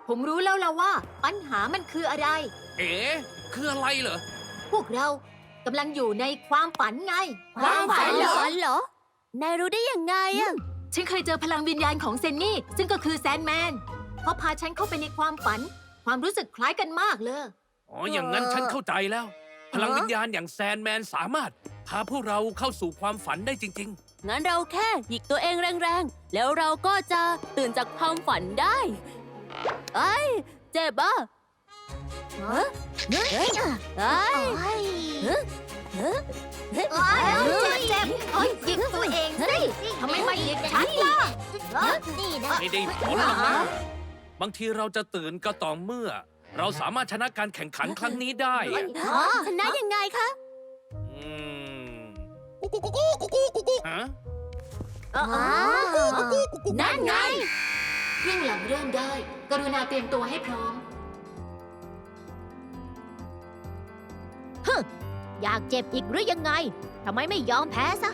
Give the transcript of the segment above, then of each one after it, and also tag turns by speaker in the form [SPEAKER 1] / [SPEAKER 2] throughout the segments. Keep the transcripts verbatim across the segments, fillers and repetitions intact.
[SPEAKER 1] ผมรู้แล้วล่ะว่าปัญหามันคืออะไร
[SPEAKER 2] เอ๋คืออะไรเหรอ
[SPEAKER 1] พวกเรากำลังอยู่ในความฝันไง
[SPEAKER 2] ความฝันเหรอ
[SPEAKER 3] เหรอ นายรู้ได้ยังไงอะ
[SPEAKER 1] ฉันเคยเจอพลังวิญญาณของเซนนี่ ซึ่งก็คือแซนแมนเขาพาฉันเข้าไปในความฝัน ความรู้สึกคล้ายกันมากเลย
[SPEAKER 2] อ๋อ อย่างนั้นฉันเข้าใจแล้ว พลังวิญญาณอย่างแซนแมนสามารถพาพวกเราเข้าสู่ความฝันได้จริง
[SPEAKER 3] งั้นเราแค่หยิกตัวเองแรงๆ แล้วเราก็จะตื่นจากความฝันได้ไอ้ยเจ็บอ่ะเฮ้ยเฮ้ยเฮ้ยเฮ้ยเฮ้ย
[SPEAKER 1] เอ้ยเจ็บๆเอ้ยหยิกตัวเองสิทำไมไม่หยิกฉันล่ะ
[SPEAKER 3] นี่นะ
[SPEAKER 2] ๆ ไม่ได้ผลหรอกนะบางทีเราจะตื่นก็ต่อเมื่อ เราสามารถชนะการแข่งขันครั้งนี้ได้อะ
[SPEAKER 3] ชนะยังไงคะ
[SPEAKER 2] อืมฮะ
[SPEAKER 3] นั่นไง
[SPEAKER 1] เครื่องหลังเริ่มได้ กรุณาเตรียมตัวให้พร้อม
[SPEAKER 3] อยากเจ็บอีกหรือยังไง ทำไมไม่ยอมแพ้ซะ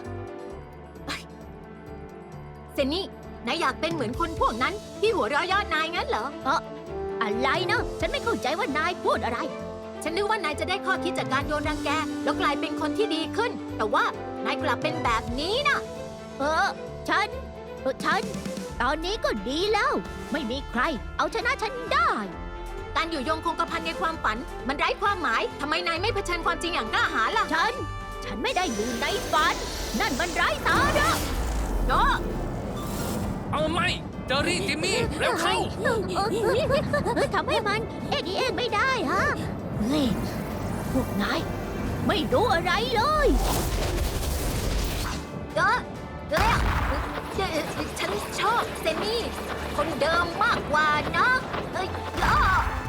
[SPEAKER 1] เซนนี่ นายอยากเป็นเหมือนคนพวกนั้นที่หัวเราะเยอดนายงั้นเหรอ
[SPEAKER 3] อะไรนะ ฉันไม่เข้าใจว่านายพูดอะไร
[SPEAKER 1] ฉันนึกว่านายจะได้ข้อคิดจากการโดนรังแก แล้วกลายเป็นคนที่ดีขึ้น แต่ว่านายกลับเป็นแบบนี้นะ
[SPEAKER 3] เออ ฉันเออฉัน ตอนนี้ก็ดีแล้ว ไม่มีใคร เอาชนะฉันได้
[SPEAKER 1] การอยู่ยงคงกระพันในความฝัน มันไร้ความหมาย ทำไมนายไม่เผชิญความจริงอย่างกล้าหาญล่ะ
[SPEAKER 3] ฉัน ฉันไม่ได้อยู่ในฝัน นั่นมันไร้สาระ
[SPEAKER 1] เนาะ
[SPEAKER 2] เอาไม่เจอรี่จิมมี่เร็วเข้า
[SPEAKER 3] เฮ้ยทำให้มัน เอ็กอีเอ็กไม่ได้ฮะเฮ้ยพวกนาย ไม่รู้อะไรเลย
[SPEAKER 1] เออเออเอ่อฉันชอบเซนนี่ คนเดิมมากกว่านะเอ้ยเอ้อ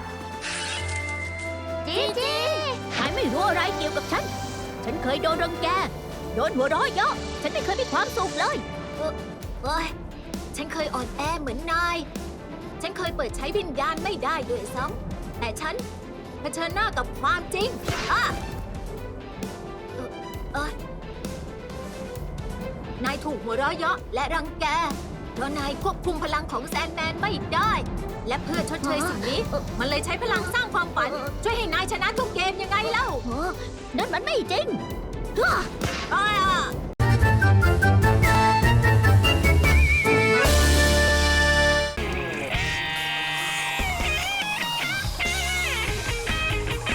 [SPEAKER 3] จีจีนายไม่รู้อะไรเกี่ยวกับฉัน ฉันเคยโดนรังแก โดนหัวเร้อยเยอะ ฉันไม่เคยมีความสุขเลย
[SPEAKER 1] เอ้ยฉันเคยอ่อนแอเหมือนนาย ฉันเคยเปิดใช้วิญญาณไม่ได้ด้วยซ้ำแต่ฉันเผชิญหน้ากับความจริงอ่ะเอ่อเอ้ยนายถูกหัวเราะเยาะและรังแก เพราะนายควบคุมพลังของแซนแมนไม่ได้ และเพื่อชดเชยสิ่งนี้ มันเลยใช้พลังสร้างความฝัน ช่วยให้นายชนะทุกเกมยังไงเล่า
[SPEAKER 3] นั่นมันไม่จริง
[SPEAKER 1] อ้า